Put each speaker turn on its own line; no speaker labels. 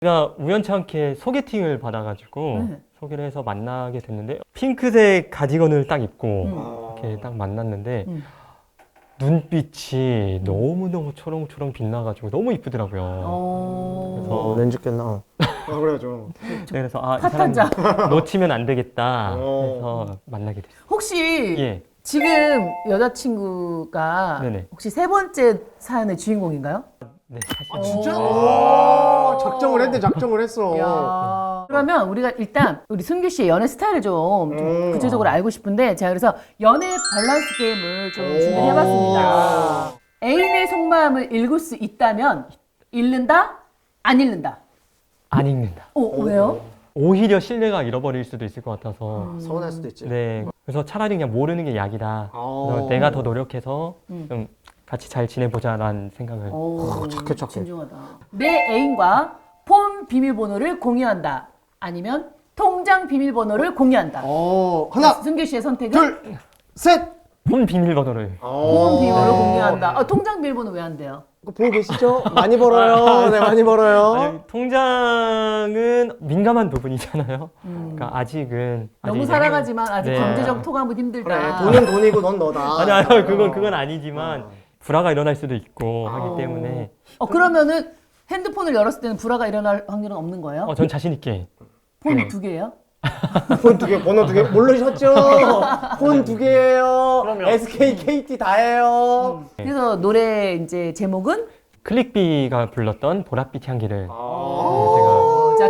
제가 우연찮게 소개팅을 받아가지고 소개를 해서 만나게 됐는데 핑크색 가디건을 딱 입고 이렇게 딱 만났는데 눈빛이 너무너무 초롱초롱 빛나가지고 너무 이쁘더라고요. 그래서
렌즈 꼈나?
그래야죠.
그래서 이 사람
핫하자.
놓치면 안 되겠다 해서 만나게 됐어요.
혹시
예.
지금 여자친구가
네네.
혹시 세 번째 사연의 주인공인가요?
네, 사실
진짜? 작정을 했네, 작정을 했어.
야. 그러면 우리가 일단 우리 승규 씨의 연애 스타일을 좀 구체적으로 알고 싶은데 제가 그래서 연애 밸런스 게임을 좀 준비를 해봤습니다. 애인의 속마음을 읽을 수 있다면 읽는다? 안 읽는다?
안 읽는다.
왜요?
오히려 신뢰가 잃어버릴 수도 있을 것 같아서
서운할 수도 있지.
네. 그래서 차라리 그냥 모르는 게 약이다. 그래서 내가 더 노력해서 좀 같이 잘 지내보자라는 생각을.
착해, 착해.
진중하다. 내 애인과 폰 비밀번호를 공유한다. 아니면 통장 비밀번호를 공유한다.
하나,
승규 씨의 선택은
둘, 셋!
폰 비밀번호를.
폰 비밀번호를 공유한다. 통장 비밀번호 왜 안 돼요?
그거 보고 계시죠? 많이 벌어요. 네, 많이 벌어요.
아니, 통장은 민감한 부분이잖아요. 그러니까 아직은
너무
아직
사랑하지만 아직
네.
경제적 토감은 힘들다.
돈은 돈이고 넌 너다.
아니 그건 아니지만 불화가 일어날 수도 있고 하기 때문에
그러면은 핸드폰을 열었을 때는 불화가 일어날 확률은 없는 거예요?
전 자신 있게.
폰
네.
2개예요?
폰 두 개, 번호 두 개. 모르셨죠? 폰 두 개예요. SK, KT 다예요.
그래서 노래 이제 제목은
클릭비가 불렀던 보랏빛 향기를.